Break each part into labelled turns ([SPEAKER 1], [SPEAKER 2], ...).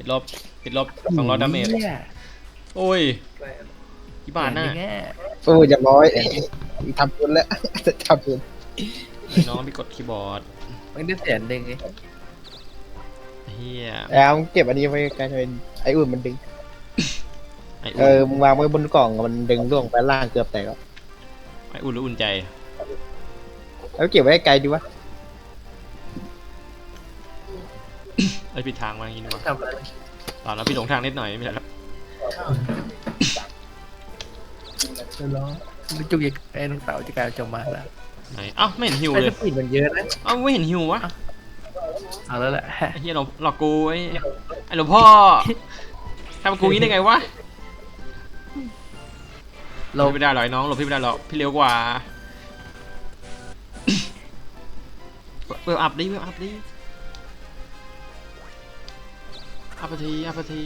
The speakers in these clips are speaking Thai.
[SPEAKER 1] ลบติดลบ200ดาเมจโอ้ยกี่บาทน่ะ
[SPEAKER 2] โอ้ยอย่าร้อยทำบุญแล้วทำบุญ
[SPEAKER 1] น้องไปกดคีย์บอร์ด
[SPEAKER 3] มันได้แสนหนึ่งไง
[SPEAKER 1] เฮีย
[SPEAKER 2] แล้วมึงเก็บอันนี้ไว้กลายเป็นไอ้อุ่นมันดึง
[SPEAKER 1] ไอ
[SPEAKER 2] เอ
[SPEAKER 1] อุ่น
[SPEAKER 2] อมึงวางไว้บนกล่องมันดึงล่วงไปล่างเกือบแตกแล้ว
[SPEAKER 1] ไออุ่นหรืออุ่นใจ
[SPEAKER 2] แล้วเก็บไว้ไกลดีวะ
[SPEAKER 1] ไอผิดทางมาอย่างงี้ดีกว่า
[SPEAKER 3] ทำอะไร
[SPEAKER 1] ตอนนั้นพี่หลงทางนิดหน่อยไม่ใช่แล้ว
[SPEAKER 3] ร้องมันจุกยังไอ้น้องเต๋าจะกลายเป็นจงมาแล้ว
[SPEAKER 1] ไหนเอ้าไม่เห็นฮิว
[SPEAKER 3] ไอ้
[SPEAKER 1] เล
[SPEAKER 3] ส
[SPEAKER 1] ย
[SPEAKER 3] ปีดมันเยอะนะ
[SPEAKER 1] เอ้าไม่เห็นฮิววะ
[SPEAKER 3] เอาแล้วแหละ
[SPEAKER 1] ไอ้เฮียหลอกกูไอ้หลวงพ่อทำกูงี้ได้ไงวะหล
[SPEAKER 3] เรา
[SPEAKER 1] บไม่ได้หรอกไอ้น้องหลบพี่ไม่ได้หรอกพี่เร็วกว่าเวลอัพดิเวลอัพดิอัพไปทีอัพไปที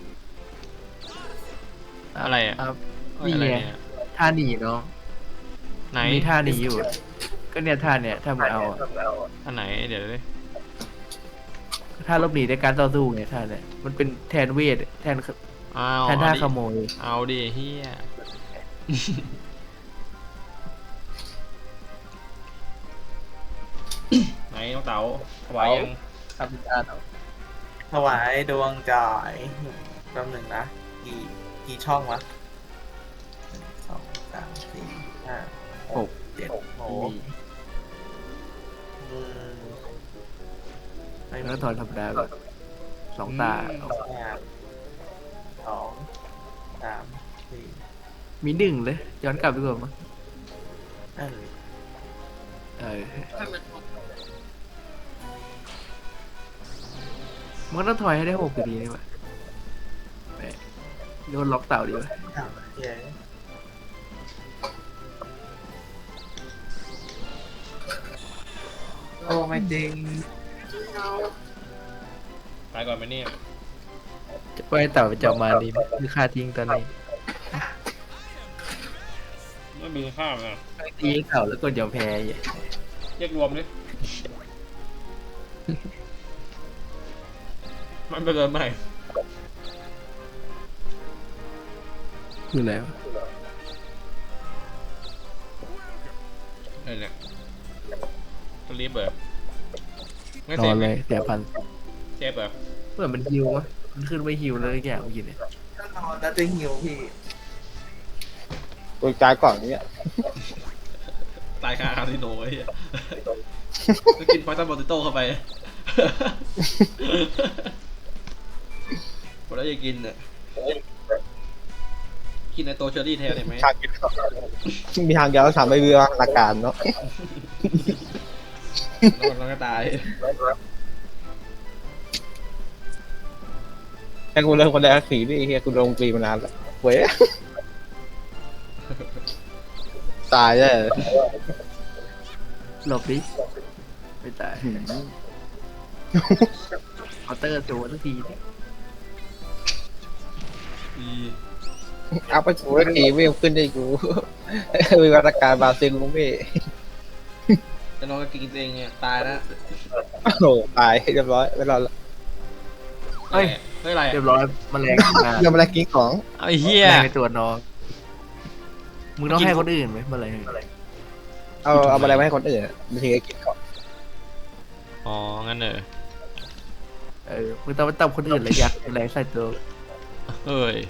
[SPEAKER 1] อะไรอะ
[SPEAKER 3] ครับ
[SPEAKER 1] อะไร
[SPEAKER 3] นี่ไง
[SPEAKER 1] เนี่ย
[SPEAKER 3] ท่าหนีเนาะ
[SPEAKER 1] ไหน
[SPEAKER 3] มีท่าหนีอยู่ ก็เนี่ยท่าเนี่ยถ้ามันเอาอะ
[SPEAKER 1] อันไหนเดี๋ยวดิ
[SPEAKER 3] ท่าลบหนีในการต่อสู้ไงท่าเนี่ยมันเป็นแทนเวทแทน
[SPEAKER 1] เอา
[SPEAKER 3] แทนท่า
[SPEAKER 1] เอาดิ
[SPEAKER 3] ขโมย
[SPEAKER 1] เอาดิเฮียไหนน้องเต๋าถวายยัง
[SPEAKER 3] ครับท่าเนาะ
[SPEAKER 4] ถวายดวงจ่ายแป๊บหนึ่งนะ กี่ช่องวะ1 2 3 4 5 6 7โอ้โหอืมไม่
[SPEAKER 3] แล้ว
[SPEAKER 4] มี
[SPEAKER 3] ก็ถอนธรรมดาแบบสองตา
[SPEAKER 4] 2 3 4
[SPEAKER 3] มีหนึ่งเลย ย้อนกลับดีกว่ามั้ง
[SPEAKER 4] นั่นเลย
[SPEAKER 3] เออมันก็ต้องถอยให้ได้6อยู่ดีนี่วะแหมโดนล็อกเต่าดีวะ
[SPEAKER 4] เย้โอ้ไม่จริง
[SPEAKER 1] ตายก่อนไหมเนี่ย
[SPEAKER 3] จะปล่อยเต่าไปจับมาดีไหมคือค่าทิ้งตอนนี้
[SPEAKER 1] ไม่มีข้ามนะ
[SPEAKER 3] ตีเต่าแล้วกดยอมแพ้อีก
[SPEAKER 1] แยกรวมดิมันเป็นอะไรใหม่
[SPEAKER 3] คืออะไรวะ
[SPEAKER 1] อะไรเนี่ยสลีปเหรอไม่
[SPEAKER 3] น
[SPEAKER 1] เซ
[SPEAKER 3] อ
[SPEAKER 1] ฟ
[SPEAKER 3] น
[SPEAKER 1] ไหม
[SPEAKER 3] เลยเสียพัน
[SPEAKER 1] เซฟเหรอ
[SPEAKER 3] เหมือนมันฮิวมะมันขึ้นไปฮิวแล้วทุกอย่างเมื่อกี้เนี่ย
[SPEAKER 4] ถ้านอนแล้วจะหิวพี่
[SPEAKER 2] ตัวจ่ายก่อนเนี่ย
[SPEAKER 1] ตายคาคาสิโนไอ้เหี้ยก็กินพอยตันบอติโต้เข้าไปพอแล้วจะกินอ่ะกินในโตเชอรี่แทนได้ไหม
[SPEAKER 2] ทางกินมีทางเดียวทำให้เรือหลักการเนาะ
[SPEAKER 1] แล้วก็ตาย
[SPEAKER 2] แค่กูเริ่มคนแรกสีนี่เฮียกูลงปีมานานแล้วเว้ยตายเลย
[SPEAKER 3] หลบดิไม่ตายเคาน์เตอร์ตัวทุกทีเนี่ย
[SPEAKER 1] อี
[SPEAKER 2] เอาไปกูแล้วทีไม่ขึ้นได้กูมีมาตรการบราซิลกูไม่
[SPEAKER 1] จะน้องก็กินเองเนี่ยตายแล้ว
[SPEAKER 2] โอ้โหตายเรียบร้อยไม่รอดละ
[SPEAKER 1] เฮ้ยอะไร
[SPEAKER 3] เรียบร้อยแมลงมา
[SPEAKER 2] ยังไม่ได้กินของ
[SPEAKER 1] ไอ้เหี้ย
[SPEAKER 3] แมลงในตัวน้องมึงต้องให้คนอื่นไหมแมลง
[SPEAKER 2] เอาอะไรมาให้คนอื่นไม่ถึงจะกินของ
[SPEAKER 1] อ๋องั้นเออ
[SPEAKER 3] มึงต้องไปตับคนอื่นเลยยักษ์แมลงใส่ตัว
[SPEAKER 1] เฮ้ย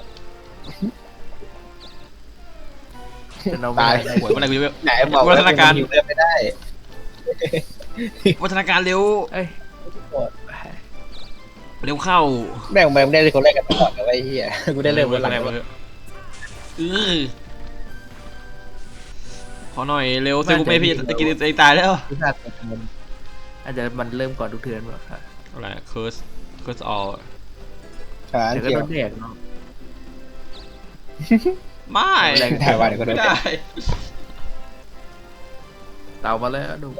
[SPEAKER 3] แต่เราไม่
[SPEAKER 2] ตาย
[SPEAKER 3] ได้
[SPEAKER 1] หวยเมื่อไหร่กูจะ
[SPEAKER 2] ไหนบอกว่า
[SPEAKER 1] วัฒนาการ
[SPEAKER 2] อยู่เลือดไม่ได้
[SPEAKER 1] วัฒนาการเร็ว
[SPEAKER 3] เอ้ย
[SPEAKER 1] เร็วเข้า
[SPEAKER 2] แม่งไม่ได้เลยคนแรกกันตลอดเลยไอ้เหี้ยกูได้เริ่มวันหลัง
[SPEAKER 1] ขอหน่อยเร็วเซกูไม่พี่จะกินไอ้ตายแล้ว
[SPEAKER 3] พิซซ่าตัวมันอาจจะมันเริ่มก่อนทุกเทือนว่ะค่ะ
[SPEAKER 1] อะไรเคิร์สออล
[SPEAKER 2] ขา
[SPEAKER 3] แต่ก็
[SPEAKER 2] เกี่ย
[SPEAKER 3] โด
[SPEAKER 2] วน
[SPEAKER 3] แดกเนาะ
[SPEAKER 1] ไม่
[SPEAKER 2] แรงถ่ายวันก็โด
[SPEAKER 1] ไม่
[SPEAKER 2] น
[SPEAKER 1] ได้
[SPEAKER 3] เต่ามาแล้วดู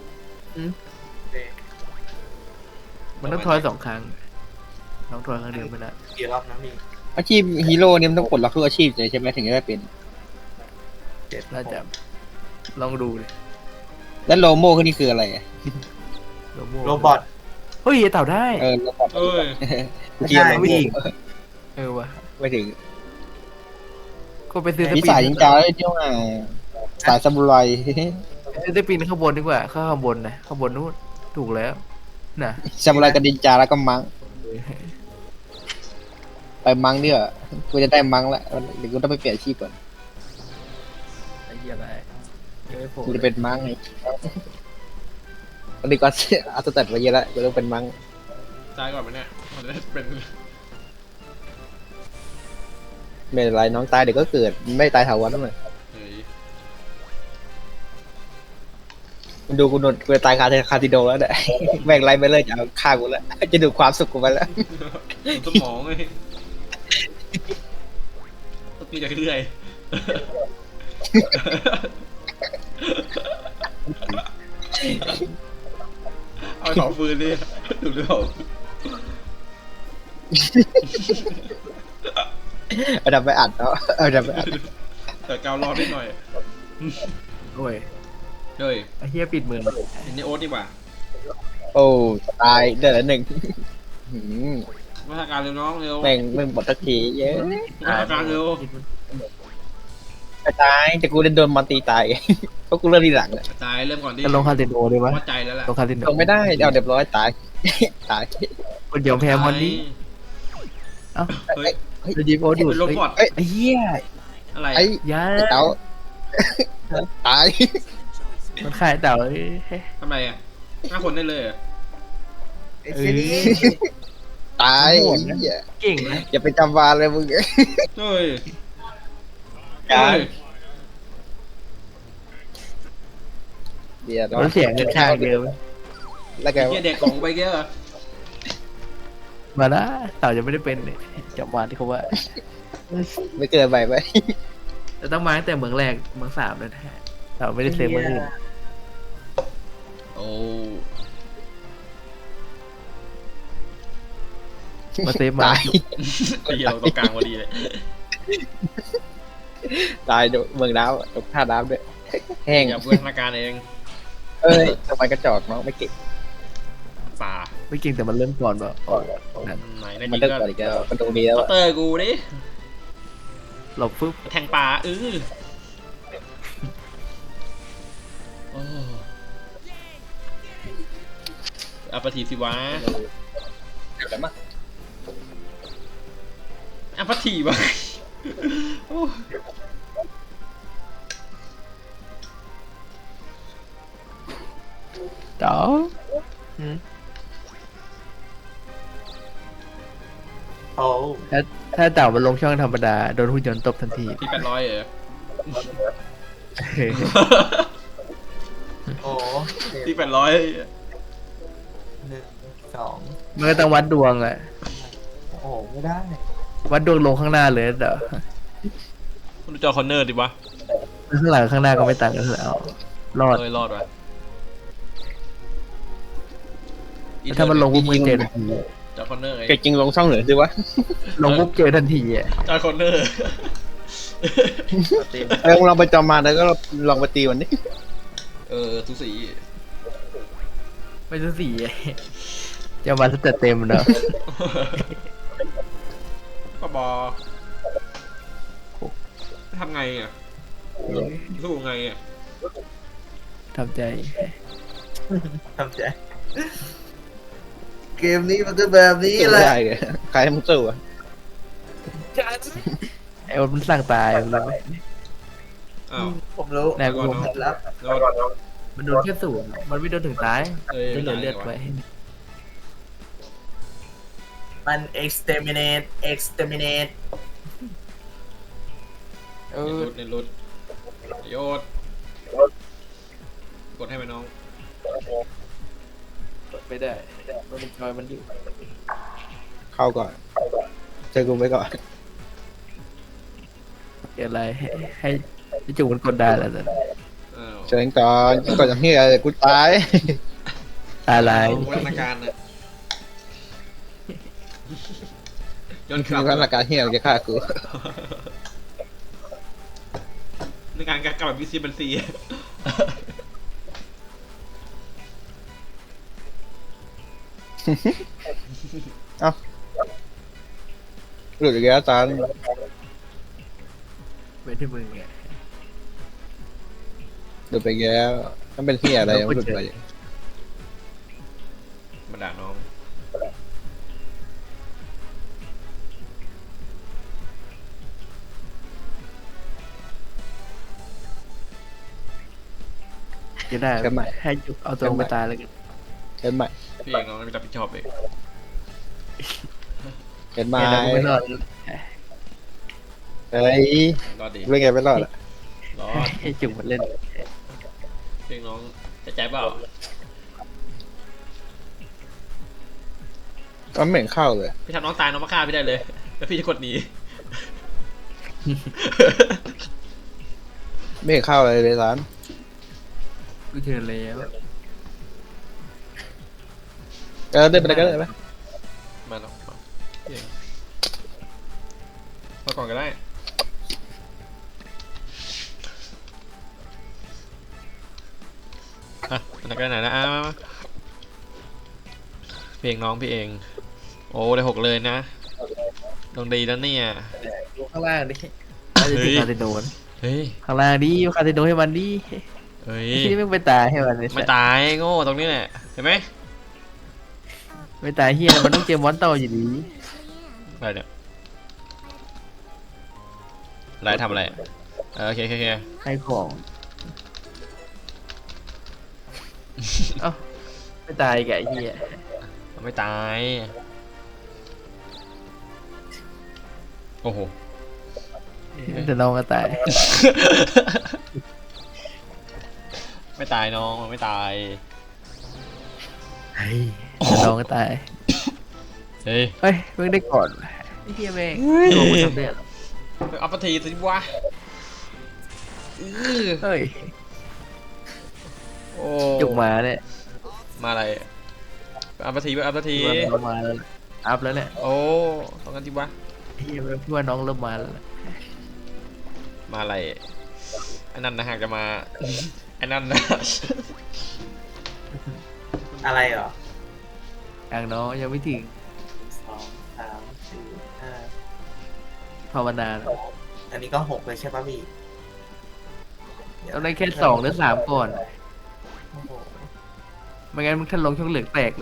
[SPEAKER 3] มันต้องทอย2 ครั้งต้องทอยครั้งเดียวไม่ได้
[SPEAKER 4] กี่รอบนะพี่
[SPEAKER 2] อาชีพฮีโร่เนี่ยมันต้องปลดล็อกทุกอาชีพเลยใช่ไหมถึงจะได้เป็น
[SPEAKER 4] 7
[SPEAKER 3] น่าจะลองดูเลย
[SPEAKER 2] แล้วโลโม่ก็นี่คืออะไรอะ
[SPEAKER 3] โลโม
[SPEAKER 4] โรบอท
[SPEAKER 3] เฮ้ยเต่าได้
[SPEAKER 2] แล้วก็
[SPEAKER 1] เอ้ย
[SPEAKER 2] กูเทียบเลย
[SPEAKER 3] ไม่อีกวะ
[SPEAKER 2] ไม่ถึง
[SPEAKER 3] ก็ไปซื้อส
[SPEAKER 2] มี
[SPEAKER 3] ปี
[SPEAKER 2] สาย
[SPEAKER 3] ด
[SPEAKER 2] ยิงจ้าเลยที่ว่าสายซามูไร
[SPEAKER 3] ซื้อสปีดข้างบนดีกว่าข้างบนนะข้างบนนู้นถูกแล้วน่ะ
[SPEAKER 2] ซามูไรกับดินจาแล้วก็มังไปมังเดี๋ยวกูจะได้มังแล้วเดี๋ยวกูต้องไปเปลี่ยนอาชีพก่อน
[SPEAKER 3] ไอ้เหี้ยอะไรยังไม่โผล่
[SPEAKER 2] กูจะเป็นมังไงตอนนี้ก็เอาตัวตัดมาเยอะแล้วกูต้องเป็นมัง
[SPEAKER 1] ตายก่อนไหมเนี่ยมันจะได้เป็น
[SPEAKER 2] ไม่เป็นไรน้องตายเดี๋ยวก็เกิดไม่ตายถาวรนั่นเลย
[SPEAKER 1] เฮ้ย
[SPEAKER 2] มึงดูกูโดนกูจะตายคาติโดแล้วเนี่ย แม่งไรไม่เลิกจะเอาฆ่ากูแล้วจะดูดความสุขกูไปแล้ว
[SPEAKER 1] สมองเลยต้องมีจากเรื่อยเอาสองฟืนดิดูด้วย
[SPEAKER 2] เอาดับไปอัดเนาะเอาดับไปอัด
[SPEAKER 1] แต่กาวรอนิดหน่อย
[SPEAKER 3] โอ้ย
[SPEAKER 1] เฮ้ย
[SPEAKER 3] ไอ้เหี้ยปิดมือ
[SPEAKER 1] เห็นในโอ๊ตดีกว่า
[SPEAKER 2] โอ้ตายเดือดละหนึ่งหืม
[SPEAKER 1] มาตรการเร็วน้องเร็ว
[SPEAKER 2] แม่งมึงหมดทักทีเยอะ
[SPEAKER 1] มาตรการเร็ว
[SPEAKER 2] ตายแต่กูโดนมันตีตาย เพราะกูเริ่มทีหลังอะ
[SPEAKER 1] ตายเริ่มก่อนดิ
[SPEAKER 3] จะลงคาสิโนดีวะ
[SPEAKER 1] วัดใจแล้วล่ะ
[SPEAKER 3] ลงคาสิโน
[SPEAKER 2] ลงไม่ได้เอาเรียบร้อยตาย ตาย
[SPEAKER 3] คนยอมแพ้มอนนี้
[SPEAKER 1] เฮ้ย
[SPEAKER 3] จะยิงโอ้ดูด
[SPEAKER 1] เป็นโรบอท
[SPEAKER 2] เอ้ย
[SPEAKER 3] ไอ้เหี้ย
[SPEAKER 1] อะไร
[SPEAKER 2] ไอ้
[SPEAKER 3] ยา
[SPEAKER 2] ไอ้เต้าตาย
[SPEAKER 3] มันขายเต่า
[SPEAKER 1] ทำไรอ่ะ5 คนได้เลยเหรอ
[SPEAKER 2] ตาย
[SPEAKER 3] โหดนะ
[SPEAKER 2] เหี้ย
[SPEAKER 3] เก่งนะ
[SPEAKER 2] อย่าไปจำวานเลยมึง
[SPEAKER 1] เฮ้ย
[SPEAKER 2] การ
[SPEAKER 1] เฮ้ย
[SPEAKER 2] เดี๋ยว
[SPEAKER 3] มันเสียเงินข้างเดียว
[SPEAKER 2] แล้วแก
[SPEAKER 1] ไอ้เหี้ยเด็กของไปเยอะ
[SPEAKER 3] มาละเต่าจะไม่ได้เป็นจับวานที่เขาว่า
[SPEAKER 2] ไม่เกินไปไหม
[SPEAKER 3] แต่ต้องมาตั้งแต่เมืองแรกเมืองสามเลยแท้เต่าไม่ได้เซฟเมืองอื่น
[SPEAKER 1] โอ้
[SPEAKER 3] มาเซฟมา
[SPEAKER 2] ตาย
[SPEAKER 1] ไอ้เหี้ยเราตรงกลางพอดีเลย
[SPEAKER 2] ตายโดนเมืองน้ำตกท่าน้ำด้วยแห้ง
[SPEAKER 1] อย่าเพื่อนธนาการเอง
[SPEAKER 2] เอ้ยทำไมกระจอกเนาะไม่เก่ง
[SPEAKER 1] ป่า
[SPEAKER 3] ไม่เก่งแต่มันเริ่มก่อนแบบ
[SPEAKER 1] ไหนใน
[SPEAKER 2] มัน
[SPEAKER 1] จริง
[SPEAKER 2] เลิก
[SPEAKER 1] ก็
[SPEAKER 2] ก่อนอีกแล้วมันตรงนี้แล้ว
[SPEAKER 1] เคาน์เตอร์กูดิ
[SPEAKER 3] หลบฟึบ
[SPEAKER 1] แทงป่าโอ้อัปทีสิวะ
[SPEAKER 2] เดี๋ยวแล้วมั้ง
[SPEAKER 1] อัปทีวะโอ้
[SPEAKER 3] เต่า
[SPEAKER 4] โอ้
[SPEAKER 3] ถ้าเต่ามันลงช่องธรรมดาโดนหุ่นยนต์ตบทันที
[SPEAKER 1] ที่800เหรอ
[SPEAKER 4] โอ้
[SPEAKER 1] ที่800
[SPEAKER 4] 1 2
[SPEAKER 3] มันก็ต้องวัดดวงอะ
[SPEAKER 4] โอ้ไม่ได้
[SPEAKER 3] วัดดวงลงข้างหน้าเลยเดี๋ยว
[SPEAKER 1] คุณดูจอคอนเนอร์ดิวะ
[SPEAKER 3] ข้างหลังข้างหน้าก็ไม่ต่างกันแล้วรอด
[SPEAKER 1] เลยรอดวะ
[SPEAKER 3] ถ้ามันลงปุ๊บมันเจอทันที
[SPEAKER 1] จอคอนเนอร์ไง
[SPEAKER 2] เก่งจริงลงช่องเหนือสิวะ
[SPEAKER 3] ลงปุ๊บเจอทันทีอ่ะ
[SPEAKER 1] จอคอนเนอร์
[SPEAKER 2] ลองไปจอมมาแล้วก็ลองไปตีวันนี้
[SPEAKER 1] ทุกสี
[SPEAKER 3] ไม่ใช่สีจะมาสเตตเต็มเนอะ
[SPEAKER 1] ก็บอกทำไงอ่ะสู้ไงอ่ะ
[SPEAKER 3] ทำใจ
[SPEAKER 4] ทำใจ เกมนี้มันก็แบบนี้
[SPEAKER 2] สู้
[SPEAKER 4] แหละ
[SPEAKER 2] ได้เลยใครให้มึงสู้อะ
[SPEAKER 3] ไอ้วันมันสั่งตายมันเลย
[SPEAKER 1] อ้าว
[SPEAKER 4] ผมรู้
[SPEAKER 3] แน่กู
[SPEAKER 4] เคล็ดลับ
[SPEAKER 1] แล้ว
[SPEAKER 3] มันโดนแค่ศูนย์มันไม่โดนถึงตาย
[SPEAKER 1] เอ้ย
[SPEAKER 3] จะเหลือเลือดไว้
[SPEAKER 4] มัน exterminate
[SPEAKER 1] ในรุดโยดกดให้ไหมน้อง
[SPEAKER 3] ไม่ได้มันจอยมันอยู่
[SPEAKER 2] เข้าก่อนเจอกูไว้ก่อน
[SPEAKER 3] เกิดอะไรให้จูมันกดได้แล้วแต่
[SPEAKER 1] อ้าว
[SPEAKER 2] เชิญก่อนก่อนอย่างนี้กูตาย
[SPEAKER 3] อะไร
[SPEAKER 1] วัฒนาการนะย้อนก
[SPEAKER 2] คื
[SPEAKER 1] ลั
[SPEAKER 2] อบ ว่าหลักการเฮียมันจะฆ่ากู
[SPEAKER 1] ในการกลับแบบวิซีบันซี
[SPEAKER 2] มหลุดอีกแล้วตา
[SPEAKER 3] ไม่ใช่มึงไง
[SPEAKER 2] หลุดไปอีกแล้วมันเป็นที่อะไรมันหลุดไป
[SPEAKER 1] มาด่าน้อง
[SPEAKER 3] จะได้ให้จุกเอาตัวไปตายแล้วกัน
[SPEAKER 2] เห็นไหม
[SPEAKER 1] พี่เองน้องไม่รับผิดชอบเอง
[SPEAKER 2] เห็นไหม
[SPEAKER 3] ไม่ได้ไม่รอด
[SPEAKER 2] เฮ้ย
[SPEAKER 1] รอดดี
[SPEAKER 2] เรื่องไงไม่รอดอ่ะ
[SPEAKER 1] รอด
[SPEAKER 3] ให้จุกมันเล่น
[SPEAKER 1] พี่เองน้องจะใจเปล่า
[SPEAKER 2] มันไม่เห็นเข้าเลย
[SPEAKER 1] พี่ทำน้องตายน้องมาฆ่าพี่ได้เลย แล้วพี่จะกดหนี
[SPEAKER 2] ไม่เห็นเข้าเลยร้าน
[SPEAKER 3] กูเชิญแล้ว
[SPEAKER 2] เดินไปเลยก็ได้ไหม
[SPEAKER 1] มาน้องมาพี่เองมาก่อนก็ได้อ่ะอันนั้นก็ไหนนะมาพี่เองน้องพี่เองโอ้ได้6เลยนะลงดีแล้วเนี่ย
[SPEAKER 3] ดูข้างล่างดิน่าจะถึงคาสิโนน
[SPEAKER 1] เฮ้ย
[SPEAKER 3] ข้างล่างดิคาสิโนให้มันดิ
[SPEAKER 1] เฮ้ย
[SPEAKER 3] ที่ไม่ไปตายให้มันเลย
[SPEAKER 1] ไม่ตายโง่ตรงนี้แหละเห็นไหม
[SPEAKER 3] ไม่ตายเฮียมันต้องเจอมอนเตอร์อยู่ดี
[SPEAKER 1] อะไรเนี่ยอะไรทำอะไรโอเคโอเคโอเค
[SPEAKER 3] ให้ของเอ้าไม่ตายแกไอ้เฮีย
[SPEAKER 1] ไม่ตายโอ้โห
[SPEAKER 3] แต่น้องก็ตาย
[SPEAKER 1] ไม่ตายน้องมันไม่ตาย
[SPEAKER 3] เฮ้ยแต่น้องก็ตาย
[SPEAKER 1] เฮ้ย
[SPEAKER 3] เฮ้ยเพิ่งได้ก่อนไอ้เฮียแม่งโดนมันทำได้เหรอ
[SPEAKER 1] เอาปะทีสิวะอื้อ
[SPEAKER 3] เฮ้ย
[SPEAKER 1] โอ้
[SPEAKER 3] จุกมาเนี่ย
[SPEAKER 1] มาอะไรเอาปะทีเอาปะที
[SPEAKER 3] มันมาแล้วอัพแล้วเนี่ย
[SPEAKER 1] โอ้ต้องกันทีวะ
[SPEAKER 3] เฮียพี่ว่าน้องเริ่มมาแล้วนะ
[SPEAKER 1] มาอะไรไอ้นั่นนะหากจะมาไอ้นั่นนะ
[SPEAKER 4] อะไรเหรอ
[SPEAKER 3] ทางน้องยังไม่ถึง
[SPEAKER 4] 2 3 4
[SPEAKER 3] ภาวนาแล้ว
[SPEAKER 4] 5อันนี้ก็6เลยใช่ป่ะพี่
[SPEAKER 3] ต้องได้แค่2 หรือ 3ก่อน
[SPEAKER 4] โอ้โห
[SPEAKER 3] ไม่งั้นมึงถ้าลงช่องเหลืองแตกเลย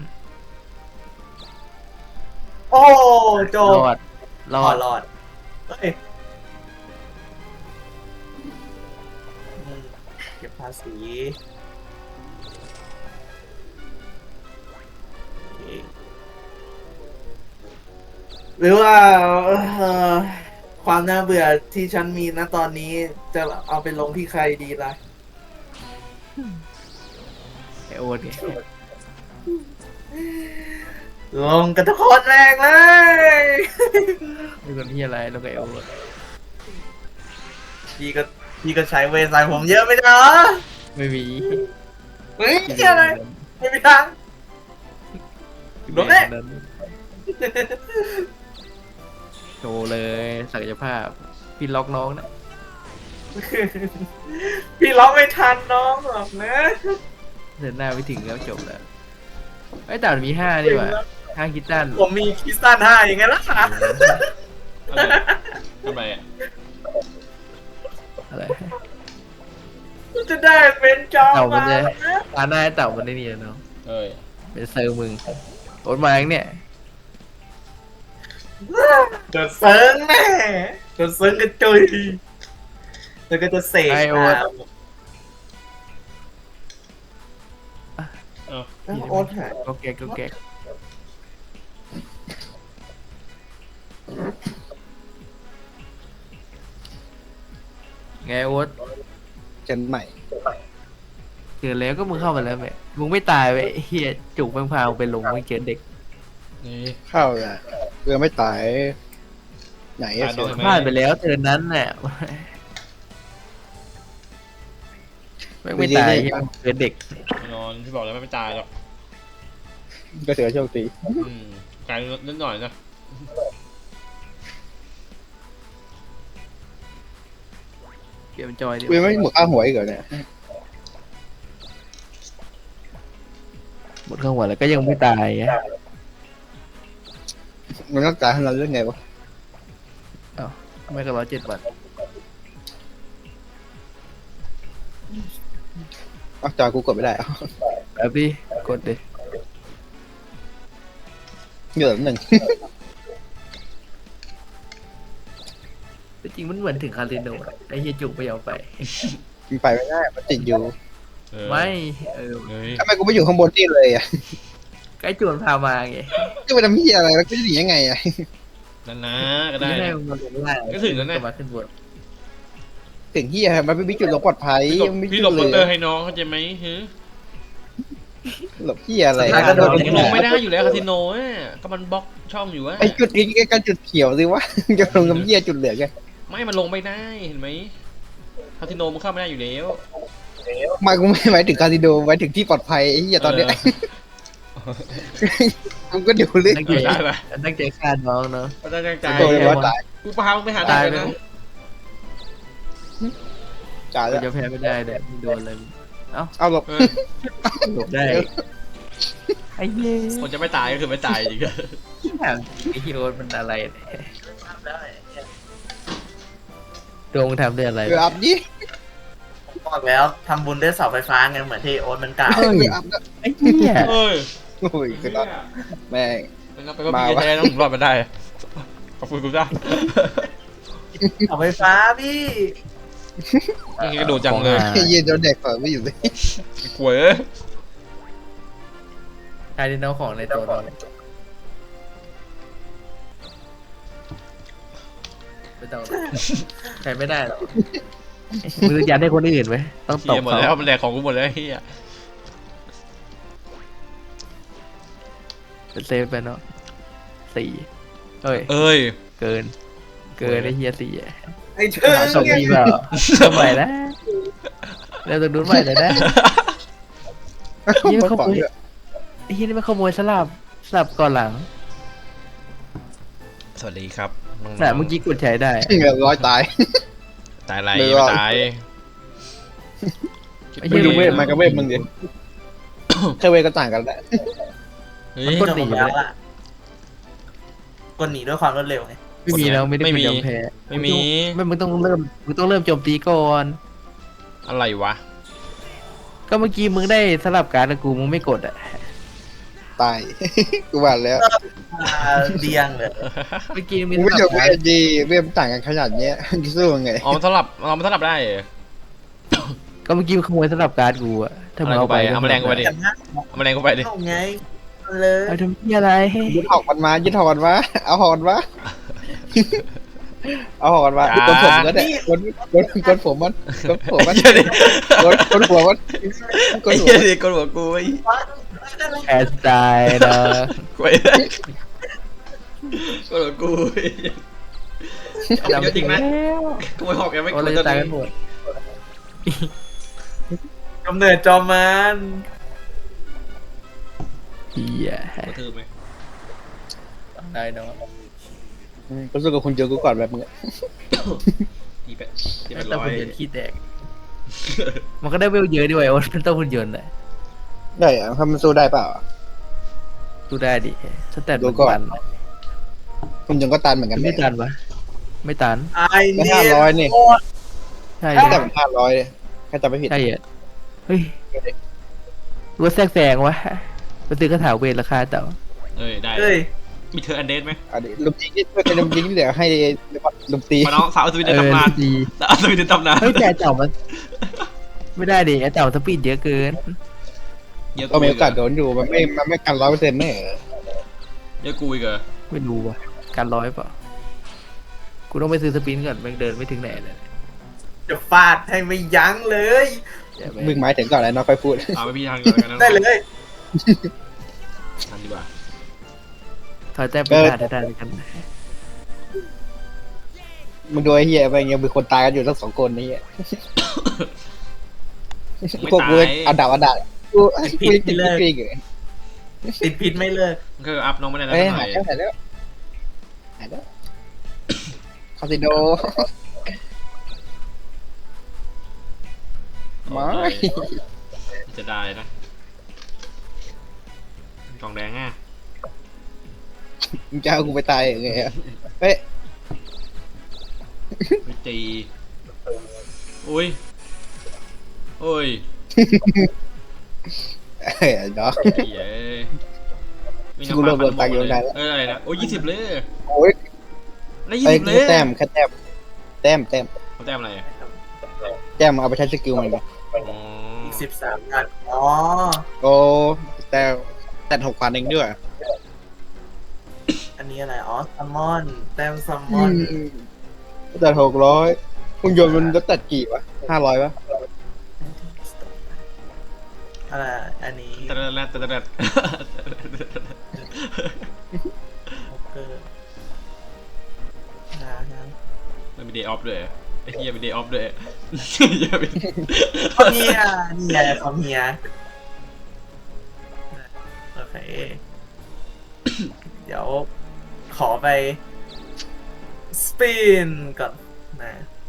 [SPEAKER 4] โอ้โจ
[SPEAKER 3] ร
[SPEAKER 4] บ
[SPEAKER 3] อดรอด
[SPEAKER 4] รอดเฮ้ยเก็บภาษีหรือว่าความน่าเบื่อที่ฉันมีนะตอนนี้จะเอาไปลงที่ใครดีล่ะ
[SPEAKER 3] ไอโอ๊ตไง
[SPEAKER 4] ลงกันทุกคนแรงเลย
[SPEAKER 3] เป็นคนที่อะไรลงกับไอโอ๊ต
[SPEAKER 4] พี่ก็ใช้เวรใส่ผมเยอะไม่ใช่เหรอ
[SPEAKER 3] ไม่มี
[SPEAKER 4] เฮ้ยเกี่ยอะไรไม่มีทาง โดนแน่
[SPEAKER 3] โชว์เลยศักยภาพ พี่ล็อกน้องนะ
[SPEAKER 4] พี่ร้องไม่ทันน้องหรอกนะ
[SPEAKER 3] เดินหน้าไปถึงแล้วจบแล้วไอ้ยแต่มันมี5นี่หว่า5คิดตัน
[SPEAKER 4] ผมมีคริสตัน5อย่างไงล่ะ
[SPEAKER 1] อะไรทำไมอ่ะ
[SPEAKER 3] อะไร
[SPEAKER 4] จะได้เป็นจอ
[SPEAKER 3] เต่ามั
[SPEAKER 4] มาน
[SPEAKER 3] จะ
[SPEAKER 4] นะ
[SPEAKER 3] ตาหน้าไอ้เต่ามันได้นี่แล้วเนาะ
[SPEAKER 1] เอ้ย
[SPEAKER 3] เป็นเซอร์มึงโอ๊ตมาอย่างเนี่ย
[SPEAKER 4] เดือดเซิร์งแน่เดือดเซิร์งกระจุยแล้วก็จะเสก
[SPEAKER 3] ไอโอ๊ต
[SPEAKER 1] เอ้า
[SPEAKER 4] โอ๊ตหาย
[SPEAKER 3] ก็แก๊กก็แก๊กไงโอ๊ต
[SPEAKER 2] เจนใหม่
[SPEAKER 3] เจอแล้วก็มึงเข้ามาแล้วแม่มึงไม่ตายไปเฮียจุกแม่งพาไปลงไม่เจอเด็ก
[SPEAKER 1] นี่
[SPEAKER 2] เข้าเลยเรือไม่ตายไหนอะ
[SPEAKER 1] ตายน้อยไหม
[SPEAKER 3] พลาดไปแล้วเธอนั้นน่ะไม่ตายยังเจอเด็ก
[SPEAKER 1] นอนพี่บอกแล้วไม่ตายหรอก
[SPEAKER 2] ก็ถือว่าโชคดี
[SPEAKER 1] กลายนิดหน่อยนะ
[SPEAKER 3] เกมจอยดิ
[SPEAKER 2] กูยังไม่หมดค่าหัวอีกเหรอเนี่ย
[SPEAKER 3] หมดข้างหัวแล้วก็ยังไม่ตายไง
[SPEAKER 2] มันรักษาให้เราเรื่องไงวะ
[SPEAKER 3] ทำไมก็107 วัน
[SPEAKER 2] อ๋อจอยกูกดไม่ได้อ๋อ
[SPEAKER 3] แบบดิกดดิ
[SPEAKER 2] เหลือหนึ่ง
[SPEAKER 3] แต่จริงมันเหมือนถึงคาสิโนอะไอ้เฮียจุกไม่ยอมไป
[SPEAKER 2] มันไปไม่ได้มันติดอยู่
[SPEAKER 1] เออ
[SPEAKER 3] ไม่
[SPEAKER 1] เฮ้ย
[SPEAKER 2] ทำไมกูไม่อยู่ข้างบนนี่เลยอ่ะ
[SPEAKER 3] ใกล้จวนพามาไง
[SPEAKER 2] จะไปทำเหี้ยอะไรแล้วกูจะหนียังไงอ่ะ
[SPEAKER 1] นั่นนะก็ได้
[SPEAKER 3] ไม่ได้
[SPEAKER 1] นะ
[SPEAKER 3] มันลงล่าง
[SPEAKER 1] ก็ถึงแล้วนะ
[SPEAKER 3] มาขึ้นบน
[SPEAKER 2] ถึงเหี้ยมันไม่มีจุดหลบปลอดภัยมันไม่มี
[SPEAKER 1] พี่หล
[SPEAKER 2] จุ
[SPEAKER 1] บ
[SPEAKER 2] ด
[SPEAKER 1] มอ
[SPEAKER 2] เล
[SPEAKER 1] เตอร์
[SPEAKER 2] ย
[SPEAKER 1] ให้น้องเข้าใจไหมฮึ
[SPEAKER 2] หลบเหี้ยอะไร
[SPEAKER 3] สถานการณ์
[SPEAKER 2] โดน
[SPEAKER 1] มัน
[SPEAKER 2] ยิง
[SPEAKER 1] ลงไม่ได้อยู่แล้วคาสิโนอ่ะก็มันบล็อกช่องอยู่อ่ะ
[SPEAKER 2] ไอ้จุดนี้ใกล้ๆจุดเขียวสิวะ จะลงกับเหี้ยจุดเหลืองไง
[SPEAKER 1] ไม่มันลงไม่ได้เห็นไหมคาสิโนมันเข้าไม่ได้อยู่แล้ว
[SPEAKER 2] มากูไม่หมายถึงคาสิโนหมายถึงที่ปลอดภัยไอ้เหี้ยตอนเนี้ยมึงก็ดูลึก
[SPEAKER 3] ตั้ง
[SPEAKER 1] เอ
[SPEAKER 3] ใจ
[SPEAKER 1] อได้ปะ
[SPEAKER 3] ตั้งใจฆ่าน้องเนาะ
[SPEAKER 1] ก็ตั้งใจ
[SPEAKER 2] โดนเลยว่าตาย
[SPEAKER 1] กูพามึงไปหาได้นะ
[SPEAKER 2] จ่าย
[SPEAKER 3] กู
[SPEAKER 2] แล้ว
[SPEAKER 3] จะแพ้ไม่ได้เลยมึงโดนเลย
[SPEAKER 2] เอาหลบ
[SPEAKER 1] เออ
[SPEAKER 3] หลบได้ไอ้เหี้ย
[SPEAKER 1] คนจะไม่ตายก็คือไม่ตายจริง
[SPEAKER 3] ไอ้เฮียโอ๊ตมันอะไรเนี่ยดวงมึงทำด้วยอะไร
[SPEAKER 2] เกือบดิ
[SPEAKER 4] บอกแล้วทำบุญด้วยเสาไฟฟ้าไงเหมือนที่โอ๊ตมันกล่าว
[SPEAKER 2] เกือบนะ
[SPEAKER 3] ไอ้เหี้ย
[SPEAKER 1] เอ้ย
[SPEAKER 2] โอ้ยคือตอนแม่ง
[SPEAKER 1] มันก็ไปว่าพี่แท้ต้องรอดมาได้ขอบคุณกูจ้า
[SPEAKER 4] เสาไฟฟ้าพี่
[SPEAKER 1] นี่ก็โดนจังเลย
[SPEAKER 2] ไอ้เหี้ยโดนเด็กเปิดไม่อยู่เลย
[SPEAKER 1] กลัวเอ้ย
[SPEAKER 3] ใครที่น้องของในตัวเราไม่ต้องใครไม่ได้หรอกมือยันให้คนอื่นไหมต้องต
[SPEAKER 1] เฮี
[SPEAKER 3] บ
[SPEAKER 1] ยหมด
[SPEAKER 3] เขา
[SPEAKER 1] แล้วมันแหลกของกูหมดแล้วเฮีย
[SPEAKER 3] เป็นเซฟไปเนาะ4เอ้ย
[SPEAKER 1] เอ้ย
[SPEAKER 3] เกินไอ้เฮีย4
[SPEAKER 4] ไอ้เชิง
[SPEAKER 3] สอง
[SPEAKER 4] เนี่ย
[SPEAKER 3] ทีเปล่าทำไมนะแล้วต้องดูใหม่เลยนะ เหี้ยเขา
[SPEAKER 2] ปล่อย
[SPEAKER 3] เว้ย ไอ้เฮียนี่มันขโมยสลับก่อนหลัง
[SPEAKER 1] สวัสดีครับน้องๆ
[SPEAKER 3] น่ะเมื่อกี้กดใช้ได้
[SPEAKER 2] เกือบร้อยตาย
[SPEAKER 1] ตายอะไร
[SPEAKER 2] ไม่
[SPEAKER 1] ไม่
[SPEAKER 2] รอด
[SPEAKER 1] ตาย
[SPEAKER 3] ไอ้
[SPEAKER 2] ไม่
[SPEAKER 3] เหี้ย
[SPEAKER 2] รู้เวทมันกับเวทมึงดิแค่เวทก็ต่างกันแหละ
[SPEAKER 1] เฮ้ย
[SPEAKER 3] มันกดหนี
[SPEAKER 4] จบ
[SPEAKER 3] ไป
[SPEAKER 4] แล้ว
[SPEAKER 3] เลย
[SPEAKER 4] ล่ะกดหนีด้วยความรวดเร็วไง
[SPEAKER 3] ไม่มีแล้วไม่ได้
[SPEAKER 1] ไม่
[SPEAKER 3] เป็น
[SPEAKER 1] มี
[SPEAKER 3] ยอมแพ้
[SPEAKER 1] ไม่มี
[SPEAKER 3] ไม่มึงต้องเริ่มโจมตีก่อน
[SPEAKER 1] อะไรวะ
[SPEAKER 3] ก็เมื่อกี้มึงได้สลับการ์ดกับกูมึงไม่กดอ่ะ
[SPEAKER 2] ตาย กูว่าแล้ว
[SPEAKER 4] เดียงเลย
[SPEAKER 3] เมื่อกี้มี
[SPEAKER 2] กู
[SPEAKER 3] ส
[SPEAKER 2] ไม่
[SPEAKER 3] ลั
[SPEAKER 2] เจอบ เว
[SPEAKER 3] การ์ด
[SPEAKER 2] ทดีเวทมันต่างกันขนาดเนี้ยจะสู้ยังไง
[SPEAKER 1] อ๋อมันสลับเรามันสลับได้เหรอ
[SPEAKER 3] ก็เมื่อกี้มึงขโมยสลับการ์ดกูอ่ะถ้ามึงเอาไป
[SPEAKER 1] เอาแมลงกูไปดิ
[SPEAKER 4] อย่างนั้น
[SPEAKER 1] เอามาแรงกูไปดิ
[SPEAKER 4] เอาไงเอาเลย
[SPEAKER 3] เอาทำเหี้ยอะไร
[SPEAKER 2] ยึดหอกมันมายึดหอกมันมาเอาหอกมันมาเอาหอกมันมากูกดผมก็ได้กดผมมันกดผมมัน
[SPEAKER 1] ไอ้เหี้ยดิ
[SPEAKER 2] กดหัวมันกด
[SPEAKER 1] ไอ้
[SPEAKER 2] หัว
[SPEAKER 1] เหี้ยดิกดหัวกูไอ้
[SPEAKER 3] แอสไตล์เนาะ
[SPEAKER 1] กูไอ้กดหัวกูไอ้เหี้ยเอาเยอะจริงไหม
[SPEAKER 3] แล้ว
[SPEAKER 1] กูไม่หอกยังไม่
[SPEAKER 3] โอ้
[SPEAKER 1] ก
[SPEAKER 3] เรา
[SPEAKER 1] ด
[SPEAKER 3] จะ
[SPEAKER 1] จะ
[SPEAKER 3] ตาย
[SPEAKER 1] ตาย
[SPEAKER 3] กันหมด
[SPEAKER 4] กำเนิดจอมมัน
[SPEAKER 3] เฮีย
[SPEAKER 1] กระทืบไหม
[SPEAKER 3] ได้เนาะ
[SPEAKER 2] ก็สู้กับคุณเจอกูก่อนแบบมึง
[SPEAKER 1] ตีเป็ดตีเป็ด
[SPEAKER 3] แต่
[SPEAKER 1] ร้อ
[SPEAKER 3] หุ่
[SPEAKER 1] ย
[SPEAKER 3] นยนต์ขี้แตก มันก็ได้เวลเยอะด้วยโอ้มันต้องหุ่นยนต์แหละ
[SPEAKER 2] ได้อะถ้ามันสู้ได้เปล่า
[SPEAKER 3] ดูได้ดิสแตท
[SPEAKER 2] ดู
[SPEAKER 3] มัน
[SPEAKER 2] ก่อน
[SPEAKER 3] ตัน
[SPEAKER 2] คุณยังก็ตันเหมือนกัน
[SPEAKER 3] ไม่ตันวะไม่ตัน
[SPEAKER 4] ไอ้
[SPEAKER 2] ก็
[SPEAKER 4] เนี่ย
[SPEAKER 2] 500นี่
[SPEAKER 3] ใช่
[SPEAKER 2] แต่
[SPEAKER 3] เหรอ
[SPEAKER 2] มัน500เลยแค่จำไม่ผิด
[SPEAKER 3] ใช่เหรอเฮ้ยรู้ว่าแทรกแซงวะไปซื้อกระถาเวทราคาเต่า
[SPEAKER 1] เอ้ยได้
[SPEAKER 4] เฮ้ย
[SPEAKER 1] มีเธออันเดนไหม
[SPEAKER 2] อันนี้ลุมยิงที่เป็นลุมยิงที่เหลือให้ลุมตี
[SPEAKER 1] มาน้องสาวสวีเดนตำนาน
[SPEAKER 3] ดี
[SPEAKER 1] สาวสวีเดนตำนาน
[SPEAKER 3] เฮ้ยแต่เต่ามัน ไม่ได้ดิไอ้เต่าสปีดเยอะเกิน
[SPEAKER 1] เยอะ
[SPEAKER 2] ก็มีโอกาสโดนอยู่มันไม่กัน100%แน่
[SPEAKER 1] เยอะกูอีกเหรอ
[SPEAKER 3] ไม่รู้ว่ะการร้อยเปล่ากูต้องไปซื้อสปินก่อนแม่งเดินไม่ถึงไหนเลย
[SPEAKER 4] จะฟาดให้ไม่ยั้งเลย
[SPEAKER 3] อย่าไป
[SPEAKER 2] มึงหมายถึงก่อนแล้วน้องค่อยพูด
[SPEAKER 1] เอาไปพี่ทางก่อนกันนะ
[SPEAKER 4] ได้เลย
[SPEAKER 1] ทางดีกว่า
[SPEAKER 3] ถอยแต้มไปได้เลยกัน
[SPEAKER 2] มึงดูไอ้เหี้ยไปยังมีคนตายกันอยู่ทั้ง2 คนนี่
[SPEAKER 1] ไม่
[SPEAKER 2] พวก
[SPEAKER 1] ตา
[SPEAKER 2] กู
[SPEAKER 1] ย
[SPEAKER 2] อันดับกูติดปีกเลย
[SPEAKER 4] ติดพิษไม่เลิก
[SPEAKER 1] ก็อัพน้องไม่ได้แล้ว
[SPEAKER 2] เอ้ย
[SPEAKER 1] เท่าไห
[SPEAKER 2] หา
[SPEAKER 1] ร่
[SPEAKER 2] ยแล้วหายแล้วคาสิโนไม่
[SPEAKER 1] จะได้นะกล่องแดงอ่ะ
[SPEAKER 2] มึงจะเอากูไปตายยังไงอะเฮ้ย
[SPEAKER 1] ไม่ตีอุ้ยโอ้ย
[SPEAKER 2] เฮ้ยเนาะ
[SPEAKER 1] ไอ้เย้ยมี
[SPEAKER 2] กูเริ่มโดนตังค์อยู่ได้แล้ว
[SPEAKER 1] อะไรนะโอ้ย20เลย
[SPEAKER 2] โอ้ย
[SPEAKER 1] ได้
[SPEAKER 2] ไอ้
[SPEAKER 1] 20เลย
[SPEAKER 2] แต้มแค่แต้ม
[SPEAKER 1] เขาแต้มอะไรอะ
[SPEAKER 2] แต้มเอาไปใช้สกิลมันไป
[SPEAKER 1] อ๋อ
[SPEAKER 4] อีก13 อันอ๋อ
[SPEAKER 2] โอ้แต่6,000เองด้วย
[SPEAKER 4] อันนี้อะไรอ๋อซัมมอนแต้มซัมมอน
[SPEAKER 2] แต่600หุ่นยนต์มันก็ตัดกี่วะ500วะ
[SPEAKER 4] อะไรอันนี้
[SPEAKER 1] ตะระตะระ
[SPEAKER 4] โอเคนะนะ
[SPEAKER 1] มันมีเดย์ออฟด้วยไอ้เหี้ยมีเดย์ออฟด้วยเหี้ยเป็น
[SPEAKER 4] คอมเฮียนี่ไงคอมเฮียโอเค เดี๋ยวขอไปสปินก่อนนะ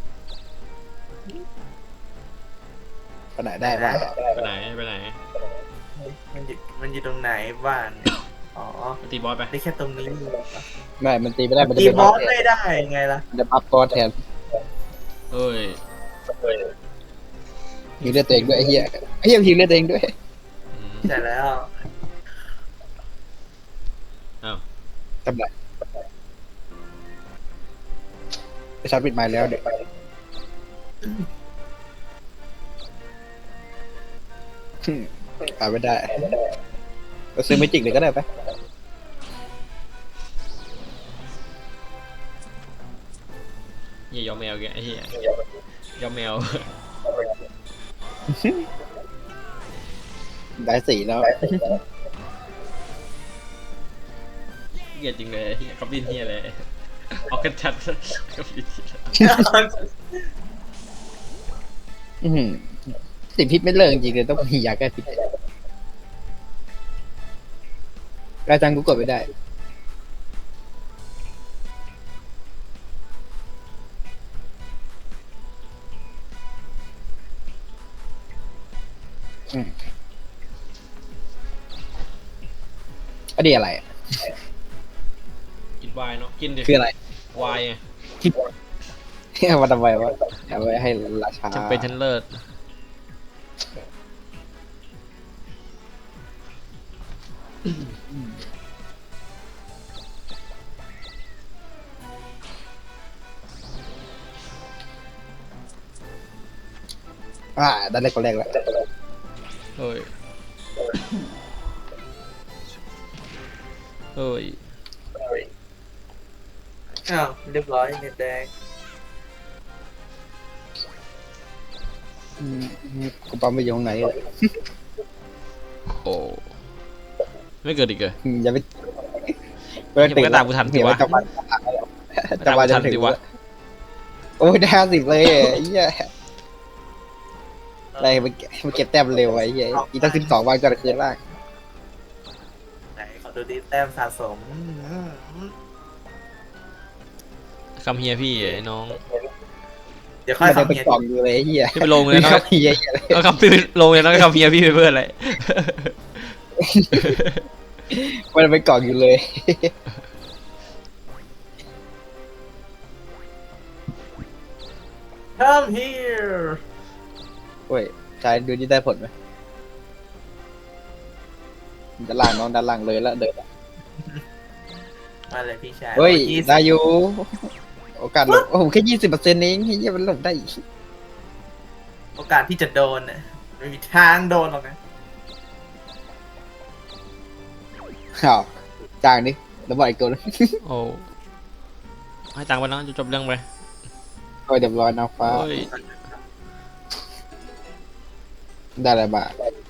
[SPEAKER 2] ไปไหนได้บ้าง
[SPEAKER 1] ไปไหนไปไหน
[SPEAKER 4] มันอยู่ตรงไหนบ้านเนี่ยอ๋อ
[SPEAKER 1] ไปตีบอสไป
[SPEAKER 4] ได้แค่ตรงนี้
[SPEAKER 2] ไม่มันตีไม่ได้มันจะ
[SPEAKER 4] ตี
[SPEAKER 2] เป็น
[SPEAKER 4] บ
[SPEAKER 2] บั
[SPEAKER 4] อ
[SPEAKER 2] ฟ
[SPEAKER 4] สไม่ได้ไงล่ะ
[SPEAKER 2] มันจะบัฟบอสแทน
[SPEAKER 1] เอ้ย
[SPEAKER 2] ยิงเลือดตัวเองด้วยไอ้เหี้ยยิงเลือดตัวเองด้วย
[SPEAKER 1] อืม
[SPEAKER 4] ใช่แล้ว
[SPEAKER 1] อ้าว
[SPEAKER 2] ทำไรไปชาร์จปิดไม้แล้วเด็กขายไม่ได้ก็ซื้อไม่จิกเลยก็ได้ไป
[SPEAKER 1] เหี้ยยอมแมวแกไอ้เหี้ยยอมแมว
[SPEAKER 2] ได้สีแล้ว
[SPEAKER 1] เหี้ยจริงเลยเหี้ยกับลินเหี้ยเลยออกกันชัดกับลิน
[SPEAKER 2] สิ่งพิษไม่เลิกจริงๆเลยต้องมียาแก้พิษกระจังกูกดไม่ได้อันนี้อะไรอะ
[SPEAKER 1] กินวายเนาะกินดิ
[SPEAKER 2] คืออะไร
[SPEAKER 1] วายไง
[SPEAKER 2] เอามาทำไมวะเอาไว้ให้ราชา
[SPEAKER 1] จำเป็นชั้นเลิศ
[SPEAKER 2] ได้เลยคนแรกแล้ว
[SPEAKER 1] เฮ้ยเฮ้ย
[SPEAKER 4] อ้าวเรียบร้อยเน็ตแดง
[SPEAKER 2] กูปั๊มไปอยู่ตรงไหนเลย
[SPEAKER 1] โอ้ไม่เกิดอีกเลย
[SPEAKER 2] อย่าไป
[SPEAKER 1] ยังไม่ตามกูทันสิวะ
[SPEAKER 2] จังหวะจะถึงวะโอ้ยได้50เลยไอ้เหี้ยอะไรมันเก็บแต้มเร็วไอ้เหี้ยอีกตั้ง12 วันก็จะคืนล่าง
[SPEAKER 4] ไหนขอดูดิแต้มสะสม
[SPEAKER 1] คำเฮียพี่ไอ้น้อง
[SPEAKER 4] เดี๋ยวค่อย
[SPEAKER 2] มันจะ
[SPEAKER 4] ทำ
[SPEAKER 2] เป็น
[SPEAKER 4] เงีย
[SPEAKER 2] กล่องอยู่เลยไอ้เหี้ย
[SPEAKER 1] ที่ไปลงเลยเนาะ
[SPEAKER 2] เหี้ยเลย
[SPEAKER 1] เอาคำพี่ลงเลยเนาะคำเฮียพี่ไปเพื่ออะไร
[SPEAKER 2] มันเป็นกล่องอยู่เลย
[SPEAKER 4] Come here
[SPEAKER 2] โอ้ยชายดูนี่ได้ผลไหมด้านล่างน้องด้านล่างเลยแล้วเดิน
[SPEAKER 4] มาเลยพี่ชาย
[SPEAKER 2] เฮ้ย
[SPEAKER 4] 20
[SPEAKER 2] ได้อยู่โอกาสหลบโอ้โหแค่20%เองเฮียมันหลบได้อีก
[SPEAKER 4] โอกาสที่จะโดนน่ะไม่มีทางโดนหรอกนะ
[SPEAKER 2] อ้าวจางนี่แล้วบอกอีกตัวนึง
[SPEAKER 1] โอ้ให้ตังค์ไปเนาะจะจบเรื่องไป
[SPEAKER 2] โอ้ยเรียบร้อยนางฟ้า
[SPEAKER 1] เฮ้ย
[SPEAKER 2] ได้อะไรบ้าง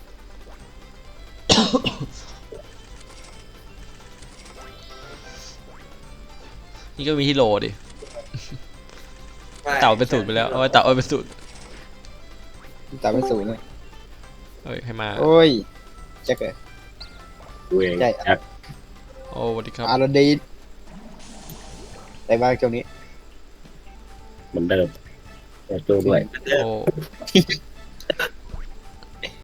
[SPEAKER 1] นี่ก็มีที่โหลดิ
[SPEAKER 4] ไม่
[SPEAKER 1] เต่าเป็นสูตรไปแล้วเอาไว้เต่าเอาเป็นสูตร
[SPEAKER 2] ตามไม่สูงเลย
[SPEAKER 1] เฮ้ยให้มา
[SPEAKER 2] โอ้ยแจ็คเลย
[SPEAKER 5] ดูเอง
[SPEAKER 2] ใช่
[SPEAKER 5] ครับ
[SPEAKER 1] โอ้สวัสดีครับ
[SPEAKER 2] อารดีได้บ้างช่วงนี้
[SPEAKER 5] เหมือนเดิมแต่ตัวด้วย
[SPEAKER 1] โอ้